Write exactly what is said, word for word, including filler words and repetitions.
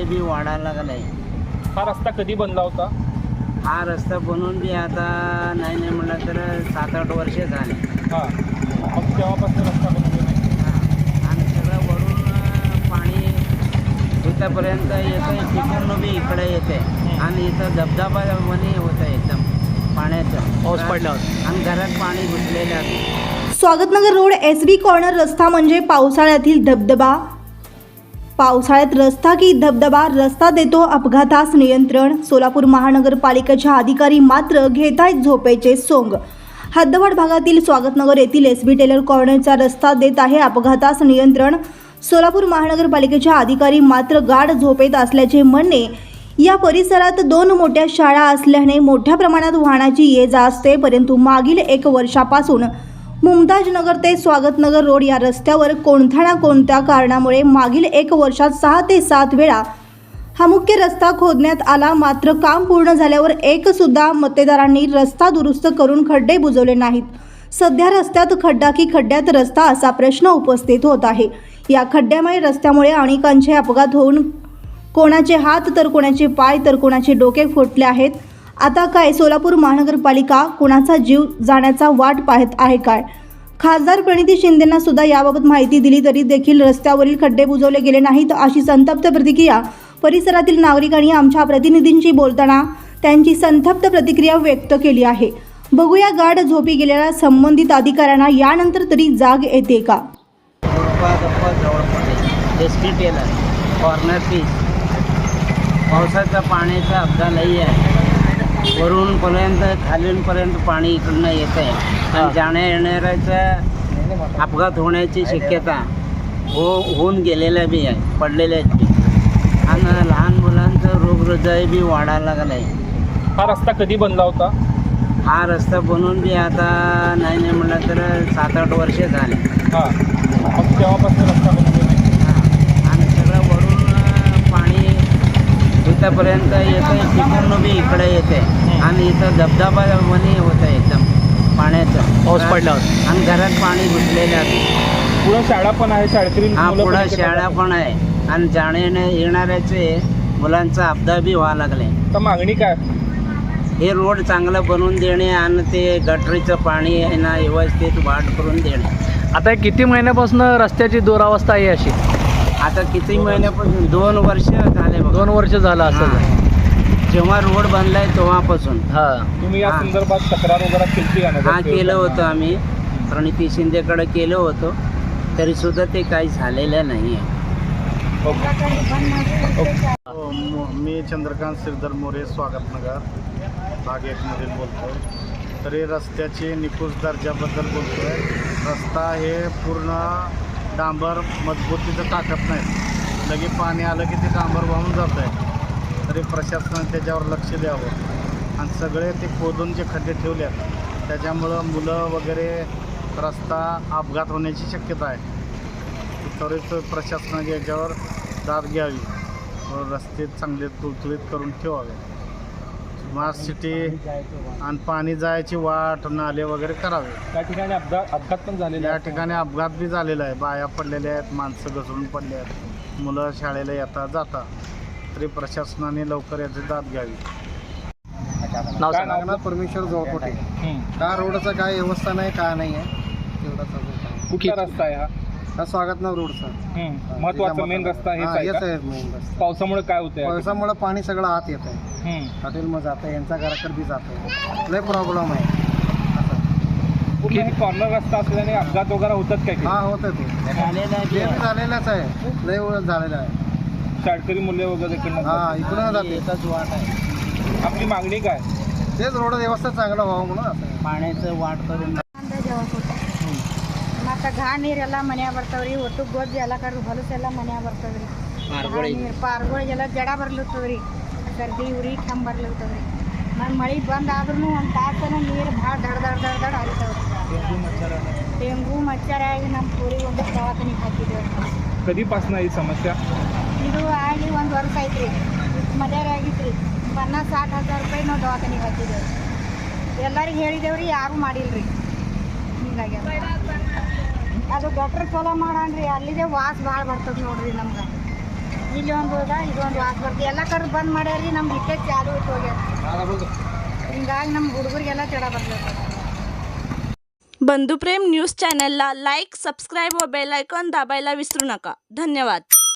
बी वाढायला लागलाय। हा रस्ता कधी बनला होता? हा रस्ता बनवून बी आता नाही नाही म्हणलं तर सात आठ वर्ष झाले। हां, मग तेव्हापासून रस्ता बनवला नाही। हां, आणि सगळं वरून पाणी इथंपर्यंत येतं, तिकडून बी इकडे येते आणि इथं धबधबा वणी होतं एकदम पाण्याचं, पाऊस पडल्यावर आणि घरात पाणी घुसलेलं आहे। Swagatnagar road S B corner रस्ता म्हणजे पावसाळ्यातील धबधबा। पावसाळ्यात रस्ता की धबधबा, रस्ता देतो अपघातास नियंत्रण। सोलापूर महानगरपालिकेच्या अधिकारी मात्र घेतायत झोपेचे सोंग। हद्दवाड भागातील स्वागतनगर येथील एस बी टेलर कॉर्नरचा रस्ता देत आहे अपघातास नियंत्रण। सोलापूर महानगरपालिकेच्या अधिकारी मात्र गाढ झोपेत असल्याचे म्हणणे। या परिसरात दोन मोठ्या शाळा असल्याने मोठ्या प्रमाणात वाहनाची ये जा असते, परंतु मागील एक वर्षापासून मुमताजनगर ते स्वागतनगर रोड या रस्त्यावर कोणत्या ना कोणत्या कारणामुळे मागील एक वर्षात सहा ते सात वेळा हा मुख्य रस्ता खोदण्यात आला। मात्र काम पूर्ण झाल्यावर एक सुद्धा मतदारांनी रस्ता दुरुस्त करून खड्डे बुजवले नाहीत। सध्या रस्त्यात खड्डा की खड्ड्यात रस्ता असा प्रश्न उपस्थित होत आहे। या खड्ड्यामुळे रस्त्यामुळे अनेकांचे अपघात होऊन कोणाचे हात तर कोणाचे पाय तर कोणाचे डोके फुटले आहेत। आता काय सोलापूर महानगरपालिका कोणाचा जीव जाण्याचा वाट पाहत आहे काय? खासदार प्रणिती शिंदेंना सुद्धा याबाबत माहिती दिली तरी देखील रस्त्यावरील खड्डे बुजवले गेले नाहीत, अशी संतप्त प्रतिक्रिया परिसरातील नागरिकांनी आमच्या प्रतिनिधींशी बोलताना त्यांची संतप्त प्रतिक्रिया व्यक्त केली आहे। बघूया गाढ झोपी गेलेल्या संबंधित अधिकाऱ्यांना यानंतर तरी जाग येते का? एस बी टेलर कॉर्नर पीस, पावसाचा पाण्याचा अपघात लई आहे। वरूनपर्यंत खालूनपर्यंत पाणी इकडनं येत आहे आणि जाण्या येणाऱ्याचा अपघात होण्याची शक्यता हो होऊन गेलेल्या बी आहे, पडलेल्या आहेत बी, आणि लहान मुलांचं रोगहृदय बी वाढायला लागलं आहे। हा रस्ता कधी बनला होता? हा रस्ता बनवून बी आता नाही नाही म्हणलं तर सात आठ वर्ष झाले। हां, मग तेव्हापासून रस्ता बनवला नाही। हां, आणि सगळं वरून पाणी इथंपर्यंत येतं, तिकडून बी इकडे येते आणि इथं धबधबा वणी होतं एकदम पाण्याचं, पाऊस पडल्यावर आणि घरात पाणी घुसलेलं आहे। पुढं शाळा पण आहे, शाळेतील हा मुलं पण पुढं इकडे शाळा जातात. पण आहे आणि जाण्या येणाऱ्याचे मुलांचा अपघात बी व्हायला लागले। तर मागणी काय? हे रोड चांगलं बनवून देणे आणि ते गटरीचं पाणी आहे ना व्यवस्थित वाट करून देणे। आता किती महिन्यापासून रस्त्याची दुरावस्था आहे अशी? आता किती महिन्यापासून दोन वर्ष झाले बघा। दोन वर्ष झालं असं? हां. जेव्हा रोड बनलाय तेव्हापासून। हां, तुम्ही या हां. संदर्भात तक्रार वगैरे केली का? हा केलं होतं आम्ही, प्रणिती शिंदेकडे केलं होतं, तरी सुद्धा ते काही झालेलं नाही आहे। मी चंद्रकांत श्रीधर मोरे स्वागतनगर भाग एकमधील बोलतो आहे। तरी रस्त्याची निकृष्ट दर्जाबद्दल बोलतो आहे। रस्ता हे पूर्ण डांबर मजबूतीचं टाकत नाही, लगे पाणी आलं की ते डांबर वाहून जात आहे। तरी प्रशासनाने त्याच्यावर लक्ष द्यावं आणि सगळे ते खोदून जे खड्डे ठेवले आहेत त्याच्यामुळं मुलं वगैरे रस्ता अपघात होण्याची शक्यता आहे। त्वरित प्रशासनाने याच्यावर दाद घ्यावी व रस्ते चांगले तुळतुळीत करून ठेवावे। स्मार्ट सिटी आणि पाणी जायची वाट, नाले वगैरे करावे। त्या ठिकाणी अपघात अपघात पण झालेले या आहेत. ठिकाणी अपघात बी झालेला आहे, बाया पडलेल्या आहेत, माणसं घसरून पडले आहेत, मुलं शाळेला येता जाता। तरी प्रशासनाने लवकर याची दाद घ्यावी। नाव काय सांगा. नाव? परमेश्वर जोळकोटे। हं. का रोडचं काय व्यवस्था नाही, काय नाही आहे तेवढाच अजून काय. कुठला रस्ता आहे हा? हा स्वागतनगर रोडचा हं. महत्वाचा मेन रस्ता हेच हा, आहे हेच का? आहे मेन रस्ता। पावसामुळे काय होतंय? पावसामुळे पाणी सगळं आत येत आहे, हं. हॉटेलमध्ये जातं आहे, यांचा घराकडे बी जातं आहे, लय प्रॉब्लेम आहे असं। पूर्ण हे कॉर्नर रस्ता असल्याने अपघात वगैरे होतात काय? हा होतं ते झालेलं आहे ते बी बी आहे। झालेलंच आहे, लय वेळ झालेलं आहे। शाळकरी मुले वगैरे इकडनं हा जातात. इकडून जाते, एकच वाट आहे, आपली मागणी काय? तेच रोड व्यवस्था चांगलं व्हावं म्हणून असं आहे। पाण्याचं वाट करून ಮತ್ತು ಘಾ ನೀರೆಲ್ಲ ಮನ್ಯಾಗ ಬರ್ತಾವ್ರಿ, ಒಟ್ಟು ಗೊಜ್ಜು ಎಲ್ಲ ಕರು ಹೊಲಸೆಲ್ಲ ಮನ್ಯಾಗ ಬರ್ತಾವ್ರಿ। ಘಾ ನೀರು ಪಾರ್ಗಳಿಗೆಲ್ಲ ಜಡ ಬರ್ಲಿರ್ತದ್ರಿ, ಸರ್ದಿ ಉರಿ ಕೆಮ್ಮು ಬರ್ಲಿರ್ತದ್ರಿ। ಮತ್ತು ಮಳೆ ಬಂದ್ ಆದ್ರೂ ಒಂದು ತಾಸನ ನೀರು ಭಾಳ ದಡ ದಡ ದಡ ದಡ ಹರಿತಾವ್ರಿ। ಡೆಂಗು ಮಚ್ಚರ ಆಗಿ ನಮ್ಮ ಪೂರಿಗೆ ಒಂದು ದವಾಖಾನಿಗೆ ಹಾಕಿದ್ದೇವೆ। कधीपासून ही समस्या? ಇದು ಆಗಿ ಒಂದು ವರ್ಷ ಐತ್ರಿ, ಮದ್ಯಾರ ಆಗಿತ್ರಿ। ಪನ್ನಾಸ್ ಸಾठ ಹಜಾರ್ ರೂಪಾಯಿ ನಾವು ದವಾಖಾನಿಗೆ ಹಾಕಿದ್ದೇವೆ, ಎಲ್ಲರಿಗೆ ಹೇಳಿದೇವ್ರಿ, ಯಾರೂ ಮಾಡಿಲ್ರಿ। ಹಿಂಗಾಗಿ ಅದು ಗಟ್ರ ಚಲೋ ಮಾಡಾನ್ರಿ, ಅಲ್ಲಿದೆ ವಾಸ ಭಾಳ ಬರ್ತದೆ ನೋಡ್ರಿ ನಮ್ಗೆ। ಇಲ್ಲಿ ಒಂದು ಹೋದ ಇದೊಂದು ವಾಸ ಬರ್ತದೆ ಎಲ್ಲ ಕಡೆ ಬಂದ್ ಮಾಡ್ಯಾರಿ ನಮ್ಗೆ ಇಟ್ಟೆ ಚಾಲು ಇಟ್ಟು ಹೋಗ್ಯಾರ ಹಿಂಗಾಗಿ ನಮ್ಮ ಹುಡುಗರಿಗೆಲ್ಲ ಜಡ ಬರ್ತದೆ. बंधुप्रेम न्यूज चॅनलला लाईक, सबस्क्राईब व बेल आयकॉन दाबायला विसरू नका. धन्यवाद.